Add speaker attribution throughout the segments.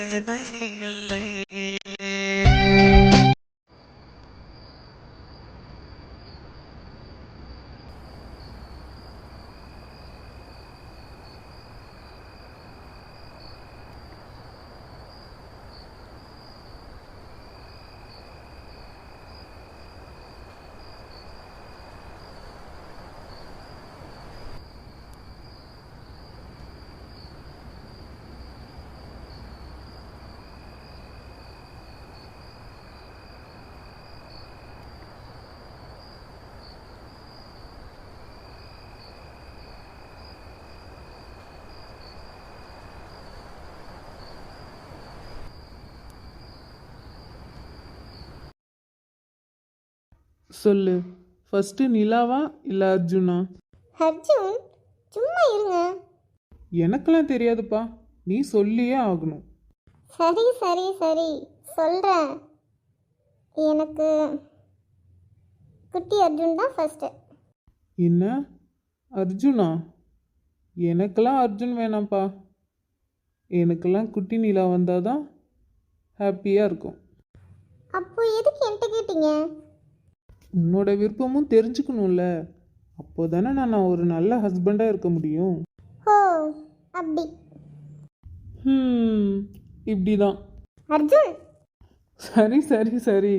Speaker 1: இல்லை.
Speaker 2: சொல்லு. ஃபஸ்ட்டு நிலாவா இல்லை அர்ஜுனா?
Speaker 3: அர்ஜுன், சும்மா இருங்க.
Speaker 2: எனக்கெல்லாம் தெரியாதுப்பா, நீ சொல்லியே ஆகணும்.
Speaker 3: சரி சரி சரி சொல்கிறேன். எனக்கு குட்டி அர்ஜுன் தான் ஃபஸ்ட்டு.
Speaker 2: என்ன அர்ஜுனா? எனக்கெல்லாம் அர்ஜுன் வேணாம்ப்பா. எனக்கெல்லாம் குட்டி நிலா வந்தால் தான் ஹாப்பியாக இருக்கும்.
Speaker 3: அப்போ எதுக்கு என்கிட்ட கேட்டீங்க?
Speaker 2: உன்னோட விருப்பமும் தெரிஞ்சுக்கணும்ல. அப்போ தானே நான் ஒரு நல்ல ஹஸ்பண்டாக இருக்க முடியும்.
Speaker 3: ஓ, அப்படி.
Speaker 2: இப்படி தான்.
Speaker 3: அர்ஜுன்,
Speaker 2: சரி சரி சரி.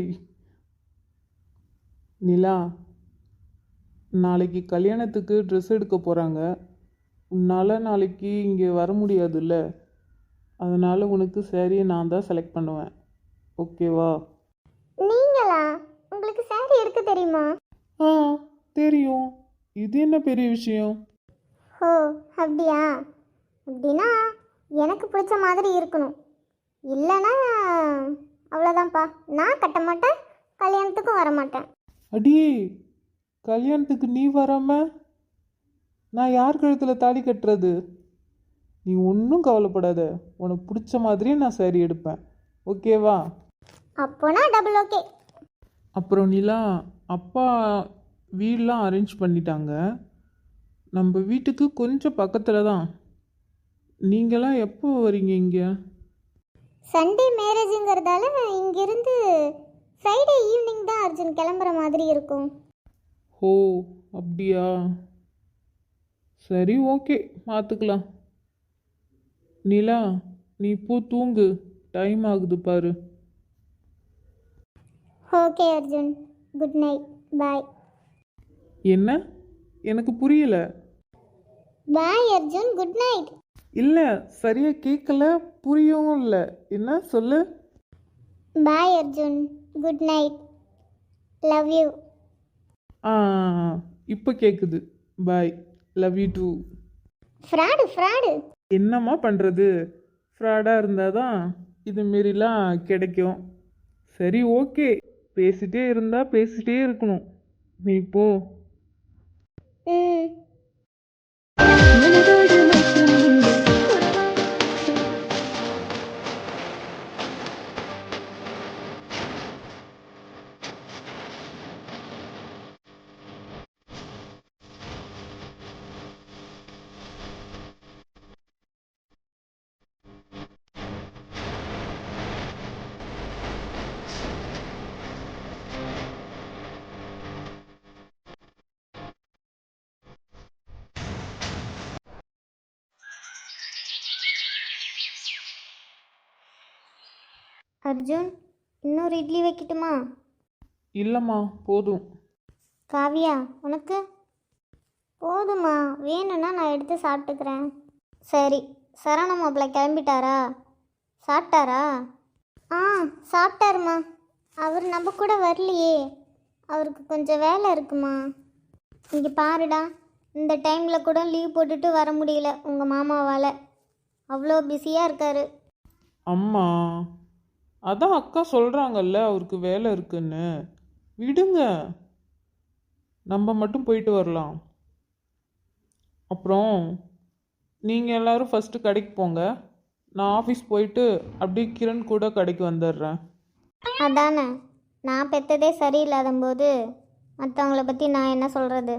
Speaker 2: நிலா, நாளைக்கு கல்யாணத்துக்கு ட்ரெஸ் எடுக்க போகிறாங்க. உன்னால் நாளைக்கு இங்கே வர முடியாதுல்ல. அதனால் உனக்கு சாரியை நான் தான் செலக்ட் பண்ணுவேன். ஓகேவா?
Speaker 3: நீங்களா? உங்களுக்கு சாரி எடுக்க தெரியுமா?
Speaker 2: ஆ, தெரியும். இது என்ன பெரிய விஷயம்?
Speaker 3: ஓ, அப்படியா? அப்படின்னா எனக்கு பிடிச்ச மாதிரி இருக்கணும். இல்லைன்னா அவ்வளோதான்ப்பா. நான் கட்ட மாட்டேன், கல்யாணத்துக்கும் வர மாட்டேன்.
Speaker 2: அடியே, கல்யாணத்துக்கு நீ வராம நான் யார் கழுத்தில் தாலி கட்டுறது? நீ ஒன்றும் கவலைப்படாத. உனக்கு பிடிச்ச மாதிரியே நான் சாரி எடுப்பேன். ஓகேவா?
Speaker 3: அப்போனா டபுள் ஓகே.
Speaker 2: அப்புறம் நிலா, அப்பா வீடெலாம் அரேஞ்ச் பண்ணிட்டாங்க. நம்ம வீட்டுக்கு கொஞ்சம் பக்கத்தில் தான். நீங்களாம் எப்போ வரீங்க இங்கே?
Speaker 3: சண்டே மேரேஜுங்கிறதால இங்கிருந்து ஃப்ரைடே ஈவினிங் தான் அர்ஜுன் கிளம்புற மாதிரி இருக்கும்.
Speaker 2: ஓ, அப்படியா? சரி, ஓகே, பார்த்துக்கலாம். நிலா, நீ இப்போ தூங்கு. டைம் ஆகுது பாரு.
Speaker 3: Okay Arjun, good night, bye.
Speaker 2: என்ன? எனக்கு புரியல.
Speaker 3: Bye Arjun, good night.
Speaker 2: இல்லை, சரியாக கேட்கல, புரியவும் இல்லை. என்ன சொல்லு?
Speaker 3: Bye Arjun, good night, love you.
Speaker 2: ஆ, இப்போ கேட்குது. Bye, love you too.
Speaker 3: Fraud fraud.
Speaker 2: என்னம்மா பண்ணுறது? ஃப்ராடாக இருந்தால் தான் இதுமாரிலாம் கிடைக்கும். சரி, ஓகே, பேசிட்டே இருந்தால் பேசிட்டே இருக்கணும். நீ போ.
Speaker 3: ம். அர்ஜுன், இன்னொரு இட்லி வைக்கட்டுமா?
Speaker 2: இல்லைம்மா, போதும்.
Speaker 3: காவியா, உனக்கு? போதுமா, வேணும்னா நான் எடுத்து சாப்பிட்டுக்கிறேன். சரி, சரவண மாப்பிள்ளை கிளம்பிட்டாரா? சாப்பிட்டாரா? ஆ, சாப்பிட்டாருமா. அவர் நம்ம கூட வரலையே, அவருக்கு கொஞ்சம் வேலை இருக்குமா. இங்கே பாருடா, இந்த டைமில் கூட லீவ் போட்டுட்டு வர முடியல உங்கள் மாமாவால். அவ்வளோ பிஸியாக இருக்கார்.
Speaker 2: அம்மா, அதான் அக்கா சொல்கிறாங்கல்ல அவருக்கு வேலை இருக்குன்னு. விடுங்க, நம்ம மட்டும் போயிட்டு வரலாம். அப்புறம் நீங்கள் எல்லோரும் ஃபஸ்ட்டு கடைக்கு போங்க. நான் ஆஃபீஸ் போயிட்டு அப்படியே கிரண் கூட கடைக்கு வந்துடுறேன்.
Speaker 3: அதானே, நான் பெற்றதே சரியில்லாத போது மற்றவங்கள பற்றி நான் என்ன சொல்கிறது?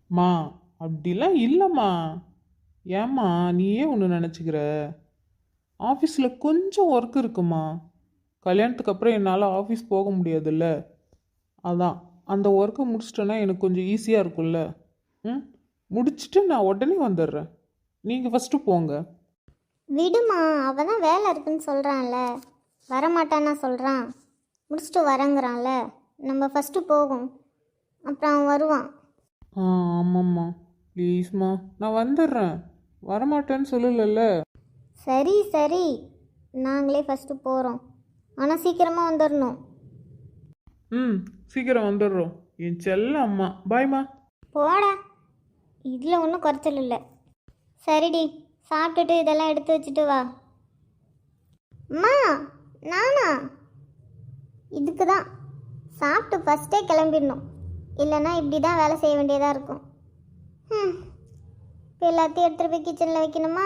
Speaker 2: அப்படிலாம் இல்லைம்மா. ஏம்மா நீயே ஒன்று நினச்சிக்கிற? ஆஃபீஸில் கொஞ்சம் ஒர்க் இருக்குமா. கல்யாணத்துக்கு அப்புறம் என்னால் ஆஃபீஸ் போக முடியாதுல்ல. அதான் அந்த ஒர்க்கை முடிச்சிட்டேன்னா எனக்கு கொஞ்சம் ஈஸியாக இருக்கும்ல. ம், முடிச்சுட்டு நான் உடனே வந்துடுறேன். நீங்கள் ஃபஸ்ட்டு போங்க.
Speaker 3: விடுமா, அவள் தான் வேலை இருக்குன்னு சொல்கிறான்ல, வரமாட்டான்னா சொல்கிறான், முடிச்சுட்டு வரங்கிறான்ல. நம்ம ஃபஸ்ட்டு போகும், அப்புறம் அவன் வருவான்.
Speaker 2: ஆமாம்மா, ப்ளீஸ்மா, நான் வந்துடுறேன். வரமாட்டேன்னு சொல்லலைல்ல.
Speaker 3: சரி சரி, நாங்களே ஃபஸ்ட்டு போகிறோம், ஆனால் சீக்கிரமாக வந்துடணும்.
Speaker 2: ம், சீக்கிரம் வந்துடுறோம். என் செல்ல அம்மா, பாய்மா.
Speaker 3: போடா, இதில் ஒன்றும் குறைச்சல் இல்லை. சரிடி, சாப்பிட்டுட்டு இதெல்லாம் எடுத்து வச்சுட்டு வா. அம்மா, நானா? இதுக்கு தான் சாப்பிட்டு ஃபஸ்ட்டே கிளம்பிடணும், இல்லைன்னா இப்படி தான் வேலை செய்ய வேண்டியதாக இருக்கும். இப்போ எல்லாத்தையும் எடுத்துகிட்டு போய் கிச்சனில் வைக்கணுமா?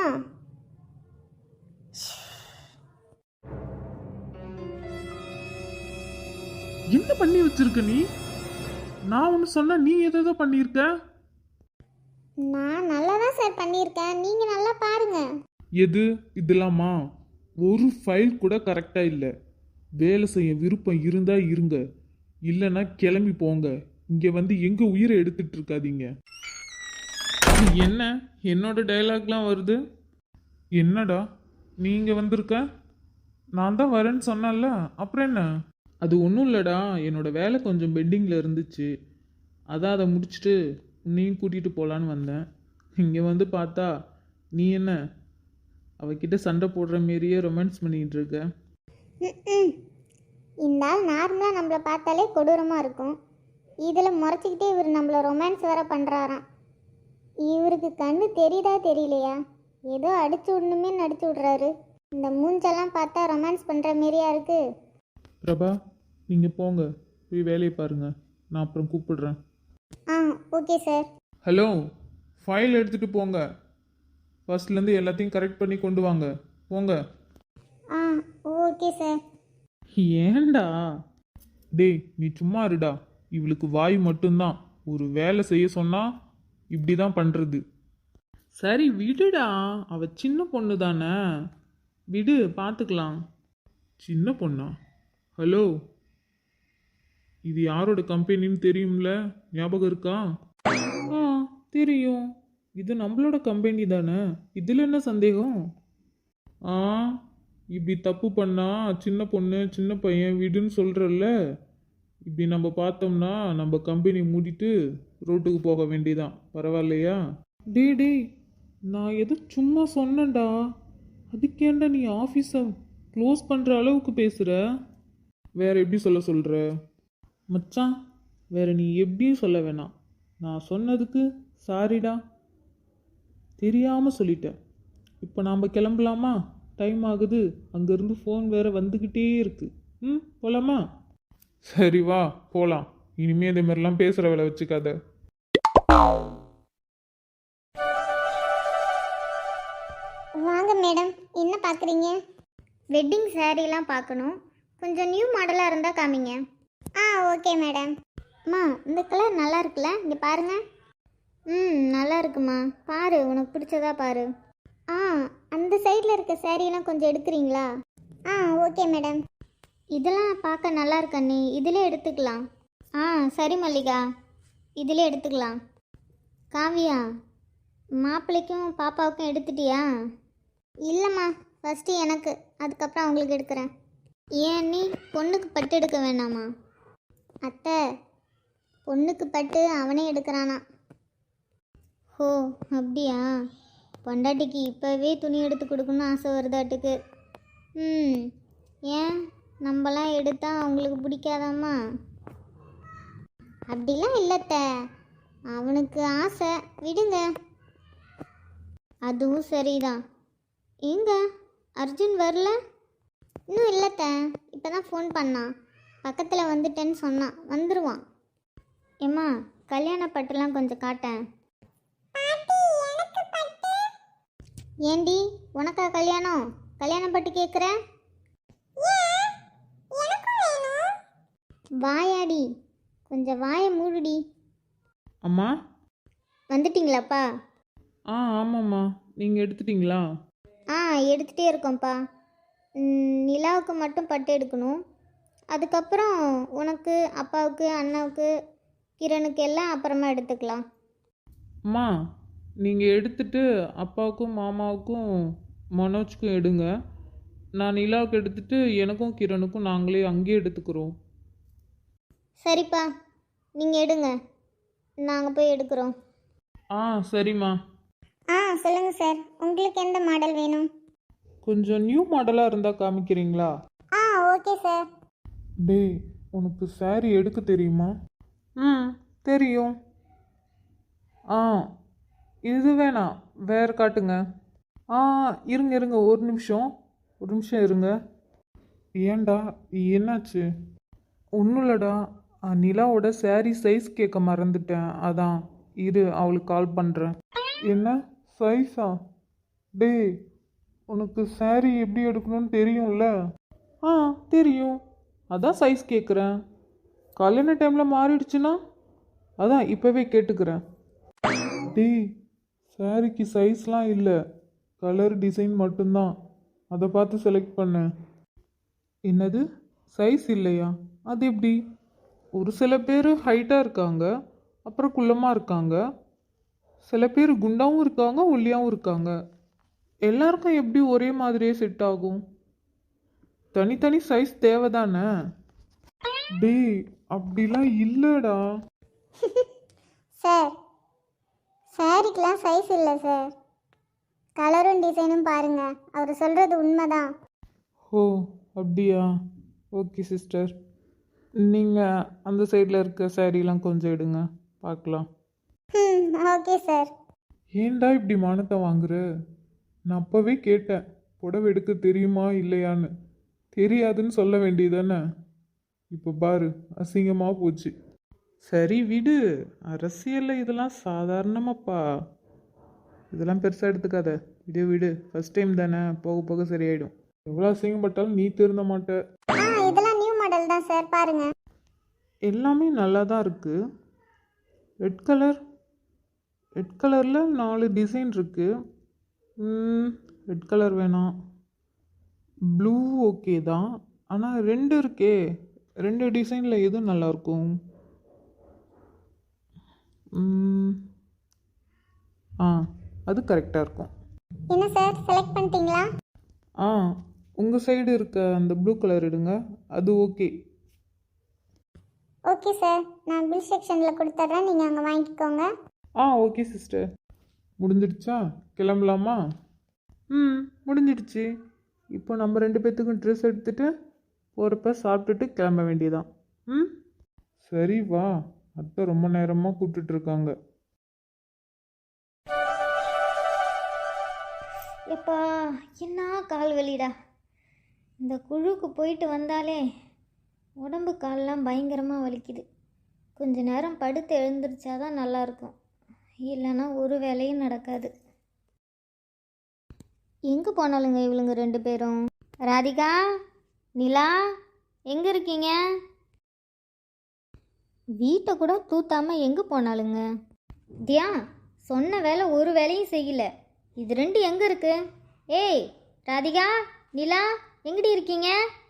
Speaker 2: என்ன பண்ணி வச்சிருக்க நீ? நான் ஒன்று சொன்னா நீ எதோ பண்ணியிருக்க.
Speaker 3: நான் நல்லா தான் சார் பண்ணியிருக்கேன், நீங்கள் நல்லா பாருங்க.
Speaker 2: எது இதெல்லாமா? ஒரு ஃபைல் கூட கரெக்டாக இல்லை. வேலை செய்ய விருப்பம் இருந்தா இருங்க, இல்லைன்னா கிளம்பி போங்க. இங்கே வந்து எங்கள் உயிரை எடுத்துட்டு இருக்காதீங்க. என்ன என்னோட டைலாக்லாம் வருது? என்னடா நீங்கள் வந்திருக்க? நான் தான் வரேன்னு சொன்னேன்ல, அப்புறம் என்ன? அது ஒன்றும் இல்லைடா, என்னோட வேலை கொஞ்சம் பெண்டிங்கில் இருந்துச்சு. அதான் அதை முடிச்சுட்டு உன்னையும் கூட்டிகிட்டு போகலான்னு வந்தேன். இங்கே வந்து பார்த்தா நீ என்ன அவகிட்ட சண்டை போடுற மாரியே ரொமான்ஸ் பண்ணிகிட்டு இருக்க.
Speaker 3: இந்த ஆள் நார்மலாக நம்மளை பார்த்தாலே கொடூரமாக இருக்கும், இதில் முறைச்சிக்கிட்டே இவர் நம்மளை ரொமான்ஸ் வேற பண்ணுறாராம். இவருக்கு கண்ணு தெரியுதா தெரியலையா, ஏதோ அடிச்சு விடணுமே நடிச்சு விட்றாரு. இந்த மூஞ்செல்லாம் பார்த்தா ரொமான்ஸ் பண்ணுற மாரியா இருக்கு.
Speaker 2: பிரபா, நீங்கள் போங்க, போய் வேலையை பாருங்க, நான் அப்புறம் கூப்பிடுறேன்.
Speaker 3: ஆ, ஓகே சார்.
Speaker 2: ஹலோ, ஃபைல் எடுத்துகிட்டு போங்க. ஃபர்ஸ்ட்லேருந்து எல்லாத்தையும் கரெக்ட் பண்ணி கொண்டு வாங்க, போங்க.
Speaker 3: ஆ, ஓகே சார்.
Speaker 2: ஏண்டா? டேய் நீ சும்மா இருடா. இவளுக்கு வாய் மட்டும்தான். ஒரு வேலை செய்ய சொன்னா இப்படி தான் பண்ணுறது. சரி விடுடா, அவ சின்ன பொண்ணு தானே, விடு பார்த்துக்கலாம். சின்ன பொண்ணா? ஹலோ, இது யாரோட கம்பெனின்னு தெரியும்ல, ஞாபகம் இருக்கா? ஆ, தெரியும். இது நம்மளோட கம்பெனி தானே, இதில் என்ன சந்தேகம்? ஆ, இப்படி தப்பு பண்ணா சின்ன பொண்ணு சின்ன பையன் விடுன்னு சொல்கிறல்ல, இப்படி நம்ம பார்த்தோம்னா நம்ம கம்பெனி மூடிட்டு ரோட்டுக்கு போக வேண்டியதான். பரவாயில்லையா? டே, நான் எது சும்மா சொன்னேன்டா. அதுக்கேண்டா நீ ஆஃபீஸை க்ளோஸ் பண்ணுற அளவுக்கு பேசுகிற? வேற எப்படி சொல்கிற மச்சான்? வேற நீ எப்படியும் சொல்ல வேணாம். நான் சொன்னதுக்கு சாரிடா, தெரியாமல் சொல்லிட்டேன். இப்போ நாம் கிளம்பலாமா? டைம் ஆகுது, அங்கேருந்து ஃபோன் வேற வந்துக்கிட்டே இருக்கு. ம், போகலாமா? சரி வா போகலாம். இனிமே இதே மாதிரிலாம் பேசுகிற வேலை வச்சுக்காத.
Speaker 3: வாங்க மேடம், என்ன பார்க்குறீங்க? வெட்டிங் சாரீலாம் பார்க்கணும், கொஞ்சம் நியூ மாடலாக இருந்தால் காமிங்க. ஆ, ஓகே மேடம். அம்மா, இந்த கலர் நல்லா இருக்குல்ல, இங்கே பாருங்க. ம், நல்லா இருக்குமா, பாரு உனக்கு பிடிச்சதா பாரு. ஆ, அந்த சைடில் இருக்க சாரீலாம் கொஞ்சம் எடுக்கிறீங்களா? ஆ, ஓகே மேடம். இதெல்லாம் பார்க்க நல்லா இருக்கண்ணே, இதிலே எடுத்துக்கலாம். ஆ, சரி மல்லிகா, இதிலே எடுத்துக்கலாம். காவியா, மாப்பிள்ளைக்கும் பாப்பாவுக்கும் எடுத்துட்டியா? இல்லைம்மா, ஃபஸ்ட்டு எனக்கு, அதுக்கப்புறம் அவங்களுக்கு எடுக்கிறேன். ஏன் நீ பொண்ணுக்கு பட்டு எடுக்க வேணாமா? அத்தை, பொண்ணுக்கு பட்டு அவனே எடுக்கிறானா. ஓ, அப்படியா? பொண்டாட்டிக்கு இப்போவே துணி எடுத்து கொடுக்கணும்னு ஆசை வருதாட்டுக்கு. ம், ஏன் நம்மலாம் எடுத்தா அவங்களுக்கு பிடிக்காதாம்மா? அப்படிலாம் இல்லைத்த, அவனுக்கு ஆசை, விடுங்க. அதுவும் சரிதான். எங்க அர்ஜுன் வரல? இன்னும் இல்லைத்த, இப்போ தான் ஃபோன் பண்ணான், பக்கத்தில் வந்துட்டேன்னு சொன்னான், வந்துடுவான். ஏம்மா, கல்யாண பட்டுலாம் கொஞ்சம் காட்டேன். ஏண்டி, உனக்கா கல்யாணம்? கல்யாண பட்டு கேட்குற? வாயாடி, கொஞ்சம் வாயை மூடுடி.
Speaker 2: அம்மா,
Speaker 3: வந்துட்டீங்களாப்பா?
Speaker 2: ஆ ஆமாம்மா, நீங்கள் எடுத்துட்டீங்களா?
Speaker 3: ஆ எடுத்துகிட்டே இருக்கோம்ப்பா. நிலாவுக்கு மட்டும் பட்டு எடுக்கணும். அதுக்கப்புறம் உனக்கு, அப்பாவுக்கு, அண்ணாவுக்கு, கிரணுக்கு எல்லாம் அப்புறமா எடுத்துக்கலாம்.
Speaker 2: அம்மா, நீங்கள் எடுத்துட்டு அப்பாவுக்கும் மாமாவுக்கும் மனோஜ்க்கும் எடுங்க. நான் நிலாவுக்கு எடுத்துட்டு எனக்கும் கிரணுக்கும் நாங்களே அங்கேயே எடுத்துக்கிறோம்.
Speaker 3: சரிப்பா, நீங்கள் எடுங்க, நாங்கள் போய் எடுக்கிறோம்.
Speaker 2: ஆ சரிம்மா.
Speaker 3: சொல்லுங்கள் சார், உங்களுக்கு எந்த மாடல் வேணும்?
Speaker 2: கொஞ்சம் நியூ மாடலாக இருந்தால் காமிக்கிறீங்களா?
Speaker 3: Okay sir.
Speaker 2: டேய், உனக்கு saree எடுக்க தெரியுமா? தெரியும். இது வேணாம், வேறு காட்டுங்க. இருங்க ஒரு நிமிஷம் இருங்க. ஏன்டா, என்னாச்சு? ஒன்றும் இல்லைடா, நிலாவோட saree சைஸ் கேட்க மறந்துட்டேன், அதான். இரு, அவளுக்கு கால் பண்ணுறேன். என்ன சைஸா? டேய், உனக்கு saree எப்படி எடுக்கணும்னு தெரியும்ல? தெரியும், அதான் சைஸ் கேட்குறேன். கல்யாண டைமில் மாறிடுச்சுன்னா அதான் இப்போவே கேட்டுக்கிறேன். டேய், சாரிக்கு சைஸ்லாம் இல்லை, கலர் டிசைன் மட்டும்தான், அதை பார்த்து செலக்ட் பண்ணேன். என்னது, சைஸ் இல்லையா? அது எப்படி? ஒரு சில பேர் ஹைட்டாக இருக்காங்க, அப்புறம் குள்ளமாக இருக்காங்க, சில பேர் குண்டாகவும் இருக்காங்க, ஒல்லியாகவும் இருக்காங்க. எல்லாருக்கும் எப்படி ஒரே மாதிரியே செட் ஆகும்? தனித்தனி சைஸ் தேவைதானே? டேய், அப்படிலாம் இல்லைடா.
Speaker 3: சார், சாரிக்கெலாம் சைஸ் இல்லை சார், கலரும் டிசைனும் பாருங்கள், அவர் சொல்கிறது உண்மைதான்.
Speaker 2: ஓ, அப்படியா? ஓகே சிஸ்டர், நீங்கள் அந்த சைடில் இருக்க சாரீலாம் கொஞ்சம் எடுங்க, பார்க்கலாம்.
Speaker 3: Okay sir.
Speaker 2: ஏன்டா இப்படி மானத்தை வாங்குற? நான் அப்போவே கேட்டேன், புடவை எடுக்க தெரியுமா இல்லையான்னு. தெரியாதுன்னு சொல்ல வேண்டியதானே? இப்போ பாரு, அசிங்கமாக போச்சு. சரி விடு, அரசியலில் இதெல்லாம் சாதாரணமாப்பா, இதெல்லாம் பெருசாக எடுத்துக்காத. விடு, ஃபர்ஸ்ட் டைம் தானே, போக போக சரியாயிடும். எவ்வளோ அசிங்கப்பட்டாலும் நீ திருந்த மாட்ட.
Speaker 3: இதெல்லாம் நியூ மாடல் தான் சார், பாருங்க.
Speaker 2: எல்லாமே நல்லா தான் இருக்குது. ரெட் கலரில் 4 டிசைன் இருக்குது. ரெட் கலர் வேணாம், ப்ளூ ஓகே தான். ஆனால் 2 இருக்கே, 2 டிசைனில் எதுவும் நல்லாயிருக்கும்? அது கரெக்டாக இருக்கும்.
Speaker 3: என்ன சார், செலக்ட் பண்ணிட்டீங்களா?
Speaker 2: உங்கள் சைடு இருக்க அந்த ப்ளூ கலர் எடுங்க, அது ஓகே.
Speaker 3: ஓகே சார், நான் பில் செக்ஷனில் கொடுத்துட்றேன், நீங்கள் அங்கே வாங்கிக்கோங்க.
Speaker 2: Okay sister. முடிஞ்சிடுச்சா? கிளம்பலாமா? முடிஞ்சிடுச்சு. இப்போ நம்ம 2 பேர்த்துக்கும் ட்ரெஸ் எடுத்துகிட்டு போகிறப்ப சாப்பிட்டுட்டு கிளம்ப வேண்டியதான். சரி வா, அத்தை ரொம்ப நேரமாக கூப்பிட்டுட்ருக்காங்க.
Speaker 3: எப்பா, என்ன கால் வலிடா. இந்த குழுக்கு போயிட்டு வந்தாலே உடம்பு காலெலாம் பயங்கரமாக வலிக்குது. கொஞ்ச நேரம் படுத்து எழுந்திரிச்சாதான் நல்லாயிருக்கும், இல்லைன்னா ஒரு வேலையும் நடக்காது. எங்கே போனாலுங்க இவளுங்க 2 பேரும்? ராதிகா, நிலா, எங்கே இருக்கீங்க? வீட்டை கூட தூத்தாமல் எங்கே போனாலுங்க? தியா, சொன்ன வேலை ஒரு வேலையும் செய்யல. இது 2 எங்கே இருக்கு? ஏய் ராதிகா, நிலா, எங்கடி இருக்கீங்க?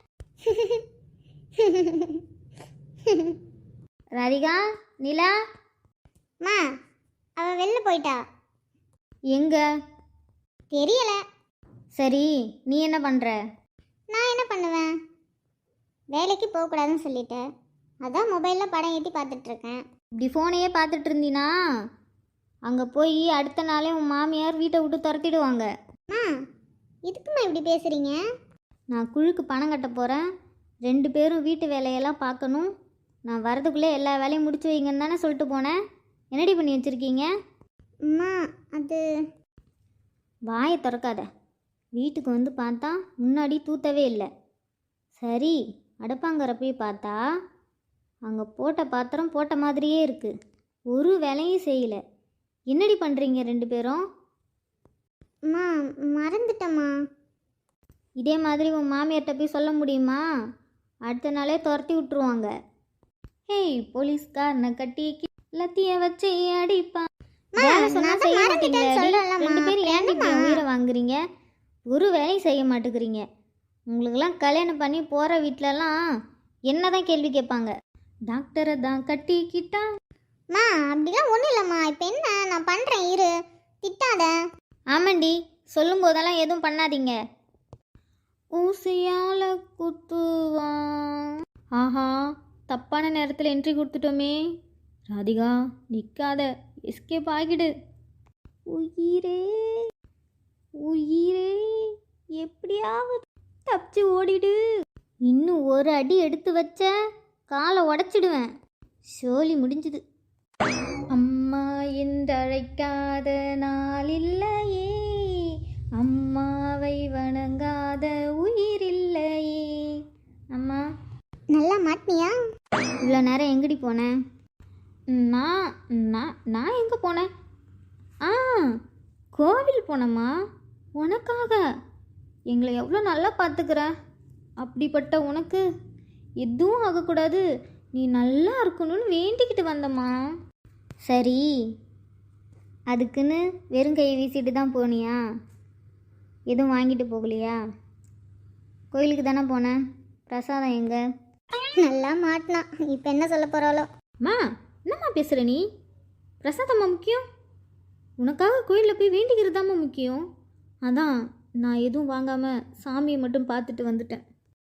Speaker 3: ராதிகா, நிலா. மா, அவ வெளில போயிட்டா. எங்க தெரியல. சரி, நீ என்ன பண்ணுற? நான் என்ன பண்ணுவேன், வேலைக்கு போகக்கூடாதுன்னு சொல்லிட்டேன், அதான் மொபைலில் படம் ஏற்றி பார்த்துட்ருக்கேன். இப்படி ஃபோனையே பார்த்துட்டு இருந்தீனா அங்கே போய் அடுத்த நாளே உன் மாமியார் வீட்டை விட்டு துரத்திடுவாங்க. இதுக்குமா இப்படி பேசுகிறீங்க? நான் குழுக்கு பணம் கட்ட போகிறேன், 2 பேரும் வீட்டு வேலையெல்லாம் பார்க்கணும். நான் வரதுக்குள்ளே எல்லா வேலையும் முடிச்சு வைங்கன்னு தானே சொல்லிட்டு போனேன். என்னடி பண்ணி வச்சுருக்கீங்க? அம்மா, அது வாயை திறக்காத. வீட்டுக்கு வந்து பார்த்தா முன்னாடி தூத்தவே இல்லை. சரி, அடுப்பாங்கற போய் பார்த்தா அங்கே போட்ட பாத்திரம் போட்ட மாதிரியே இருக்குது, ஒரு வேலையும் செய்யலை. என்னடி பண்ணுறீங்க 2 பேரும்? அம்மா, மறந்துட்டம்மா. இதே மாதிரி உன் மாமியார்கிட்ட போய் சொல்ல முடியுமா? அடுத்த நாளே துரத்தி விட்டுருவாங்க. ஹேய், போலீஸ்காரனை கட்டி லத்திய வச்சு அடிப்பான். வேலை சொன்னா செய்ய மாட்டீங்களா? 2 பேரும் ஏன் இப்படி உயிரை வாங்குறீங்க? ஒரு வேலையும் செய்ய மாட்டேங்கிறீங்க. உங்களுக்கெல்லாம் கல்யாணம் பண்ணி போகிற வீட்டிலலாம் என்ன தான் கேள்வி கேட்பாங்க? டாக்டரை தான் கட்டிக்கிட்டாம்மா. அப்படிலாம் ஒன்றும் இல்லைம்மா. இப்போ என்ன நான் பண்ணுறேன், இரு, திட்டாத. ஆமாண்டி, சொல்லும் போதெல்லாம் எதுவும் பண்ணாதீங்க. ஊசியால் குத்துவான். ஆஹா, தப்பான நேரத்தில் என்ட்ரி கொடுத்துட்டோமே. ராதிகா நிற்காத, எஸ்கேப் ஆகிடு. உயிரே உயிரே, எப்படியாவது தப்பிச்சு ஓடிடு. இன்னும் ஒரு அடி எடுத்து வச்ச காலை உடச்சிடுவேன். சோலி முடிஞ்சுது. அம்மா என்றழைக்காத நாள் இல்லையே, அம்மாவை வணங்காத உயிர் இல்லையே. அம்மா நல்லா மாட்டினியா? இவ்வளோ நேரம் எங்கடி போனேன்? நான் நான் நான் எங்கே போனேன்? கோவில் போனேம்மா. உனக்காக. எங்களை எவ்வளோ நல்லா பார்த்துக்கிற. அப்படிப்பட்ட உனக்கு எதுவும் ஆகக்கூடாது, நீ நல்லா இருக்கணும்னு வேண்டிக்கிட்டு வந்தம்மா. சரி, அதுக்குன்னு வெறும் கை வீசிட்டு தான் போனியா? எதுவும் வாங்கிட்டு போகலையா? கோயிலுக்கு தானே போனேன். பிரசாதம் எங்க? நல்லா மாட்டினா. இப்போ என்ன சொல்ல போகிறாளோ? அம்மா, என்னம்மா பேசுகிற நீ? பிரசாதம்மா முக்கியம். உனக்காக கோயிலில் போய் வேண்டிக்கிறது தாம்மா முக்கியம். அதான் நான் எதுவும் வாங்காமல் சாமியை மட்டும் பார்த்துட்டு வந்துட்டேன்.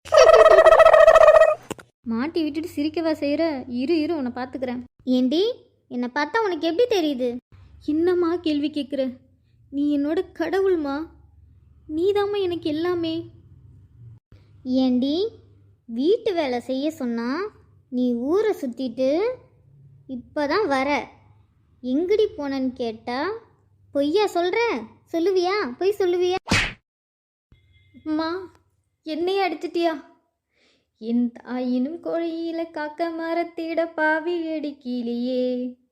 Speaker 3: மாட்டி விட்டுட்டு சிரிக்கவா செய்கிற? இரு இரு, உன்னை பார்த்துக்கிறேன். ஏண்டி, என்னை பார்த்தா உனக்கு எப்படி தெரியுது? என்னம்மா கேள்வி கேட்குற? நீ என்னோட கடவுள்மா. நீதாம்மா எனக்கு எல்லாமே. ஏண்டி, வீட்டு வேலை செய்ய சொன்னா நீ ஊரை சுற்றிட்டு இப்போ தான் வர. எங்கடி போனன்னு கேட்டா பொய்யா சொல்கிற? சொல்லுவியா? பொய் சொல்லுவியா? அம்மா, என்னையே அடிச்சிட்டியா? என் தாயினும் கோழியில காக்க மரத்திட பாவி அடிக்கிலேயே.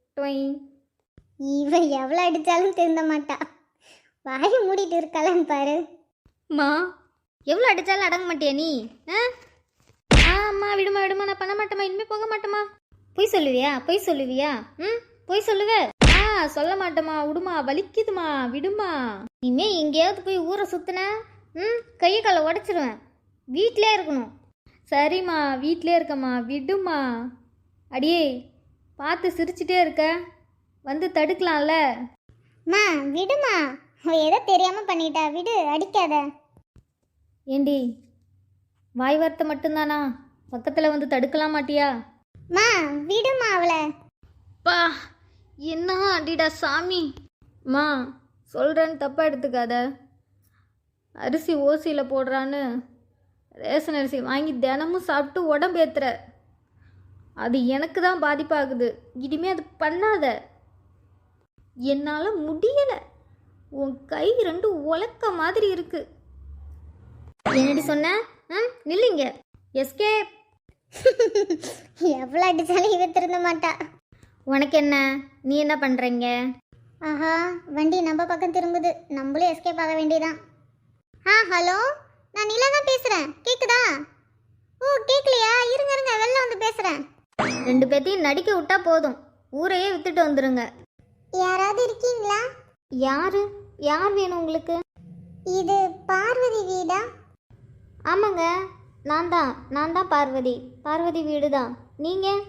Speaker 3: இவ எவ்வளோ அடித்தாலும் திருந்த மாட்டா. வாய் மூடிட்டு இருக்கலான்னு பாரு. மா, எவ்வளோ அடித்தாலும் அடங்க மாட்டியா நீ? அம்மா விடுமா விடுமா, நான் பண்ண மாட்டேம்மா, இனிமேல் போக மாட்டேம்மா. பொய் சொல்லுவியா? பொய் சொல்லுவியா? பொய் சொல்லுவ? சொல்ல மாட்டேம்மா, விடுமா, வலிக்குதுமா, விடுமா. இனிமே எங்கேயாவது போய் ஊரை சுத்தின கையை காலை உடச்சிருவேன். வீட்டிலே இருக்கணும். சரிம்மா, வீட்டிலே இருக்கம்மா, விடுமா. அடியே, பார்த்து சிரிச்சிட்டே இருக்க, வந்து தடுக்கலாம்ல. மா விடுமா, ஏதோ தெரியாமல் பண்ணிட்டா, விடு, அடிக்காத. ஏண்டி, வாய் வார்த்தை மட்டும்தானா? பக்கத்தில் வந்து தடுக்கலாம் மாட்டியா? மா விடுமா அவளை. பா, என்ன அடிடா சாமி. மா, சொல்கிறேன்னு தப்பாக எடுத்துக்காத. அரிசி ஓசியில் போடுறான்னு ரேஷன் அரிசி வாங்கி தினமும் சாப்பிட்டு உடம்பு ஏற்றுற. அது எனக்கு தான் பாதிப்பாகுது. இனிமேல் அது பண்ணாத. என்னால் முடியலை. உன் கை ரெண்டு உலக்க மாதிரி இருக்கு. என்னடி சொன்ன? நில்லுங்க. எஸ்கேப். எவ்வளோ அடித்தாலும் இவ திருந்த மாட்டா. உனக்கு என்ன? நீ என்ன பண்ணுறீங்க? ஆஹா, வண்டி நம்ம பக்கம் திரும்புது. நம்மளும் எஸ்கேப் ஆக வேண்டியதான். ஹலோ, நான் நிலா தான் பேசுகிறேன். கேட்குதா? ஓ, கேட்கலையா? இருங்க இருங்க, வெளில வந்து பேசுகிறேன். ரெண்டு பேர்த்தையும் நடிக்க விட்டா போதும், ஊரையே வித்துட்டு வந்துடுங்க. யாராவது இருக்கீங்களா? யார் வேணும் உங்களுக்கு? இது பார்வதி வீடா? ஆமாங்க, நான் தான் பார்வதி வீடு தான். நீங்கள்?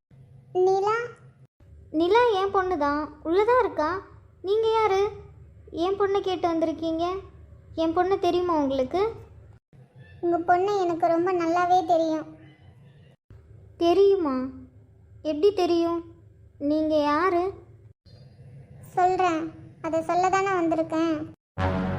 Speaker 3: நிலா என் பொண்ணு தான், உள்ளதான் இருக்கா. நீங்கள் யார்? என் பொண்ணை கேட்டு வந்திருக்கீங்க. என் பொண்ணு தெரியுமா உங்களுக்கு? உங்கள் பொண்ணு எனக்கு ரொம்ப நல்லாவே தெரியும். தெரியுமா? எப்படி தெரியும்? நீங்கள் யார்? சொல்கிறேன், அதை சொல்ல தானே வந்திருக்கேன்.